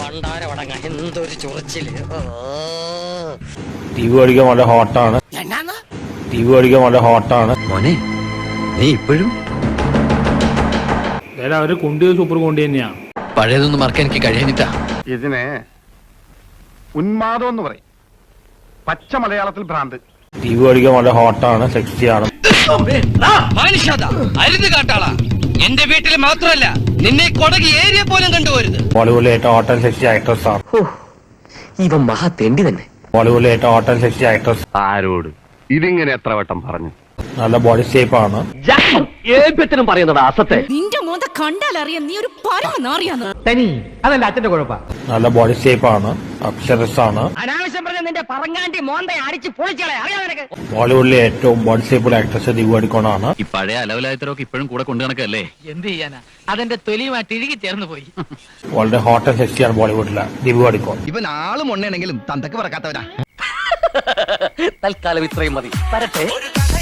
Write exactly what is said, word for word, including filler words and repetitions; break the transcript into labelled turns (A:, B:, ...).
A: എന്തൊരു ചൊറിച്ചില്.
B: T V ഓടിക്കാൻ വളരെ ഹോട്ടാണ്. ടി വി ഓടിക്കാൻ വളരെ ഹോട്ടാണ്.
A: മോനെ നീ ഇപ്പോഴും
C: അവര് കൊണ്ടു സൂപ്പർ കൊണ്ടു തന്നെയാ.
A: പഴയതൊന്നും മറക്കാൻ എനിക്ക് കഴിയാനിട്ടാ.
D: ഇതിനെ ഉന്മാദം എന്ന് പറയും, പച്ച മലയാളത്തിൽ ഭ്രാന്ത്.
B: ടി വി ഓടിക്കാൻ വളരെ ഹോട്ടാണ്, സെക്സിയാണ്.
E: അരുത് കാട്ടാളാ, എന്റെ വീട്ടിൽ മാത്രമല്ല നിന്നെ കൊടകി ഏരിയ പോലും കണ്ടുപോരുത്.
B: ബോളിവുഡിലെ ഏറ്റവും ഹോട്ട് ആൻഡ് സെക്സി ആക്ട്രസ് ആണ്.
A: ഇവൻ മഹാ തെണ്ടി തന്നെ.
B: ബോളിവുഡിലെ ഏറ്റവും ഹോട്ട് ആൻഡ് സെക്സി ആക്ട്രസ്.
D: ആരോട് ഇതിങ്ങനെ എത്ര വട്ടം പറഞ്ഞു?
B: നല്ല ബോഡി ഷേപ്പ് ആണ്.
A: പറയുന്നതാ അസത്തെ.
F: നിന്റെ മോന്ത കണ്ടാലറിയാം നീ ഒരു പരമനാറിയാന്ന്.
C: അതല്ല അച്ഛന്റെ കുഴപ്പം.
B: നല്ല ബോഡി ഷേപ്പ് ആണ്, അക്ഷരസ് ആണ്.
E: അനാവശ്യം പറഞ്ഞ നിന്റെ പറങ്ങാണ്ടി മോന്തെ അടിച്ച് പൊളിച്ചളെ അറിയാം നിനക്ക്.
B: ബോളിവുഡിലെ ഏറ്റവും ബോഡി ഷേപ്പുള്ള ആക്ട്രസ് ദിവ്യ പടിക്കോണാണ്.
G: ഈ പഴയ അലവലായത്തരൊക്കെ ഇപ്പോഴും കൂടെ കൊണ്ടു നടക്കല്ലേ?
E: എന്ത് ചെയ്യാനാ, അതെന്റെ തൊലിയുമായിട്ട് ഇഴുകി ചേർന്ന് പോയി.
B: വളരെ ഹോട്ട് ആൻഡ് സെക്സിയാണ് ബോളിവുഡിലെ ദിവ്യ പടിക്കോൺ.
H: ഇവൻ ആളും ഒണ്ണയാണെങ്കിലും തന്തക്ക് പറക്കാത്തവരാ.
A: തൽക്കാലം ഇത്രയും മതി. വരട്ടെ.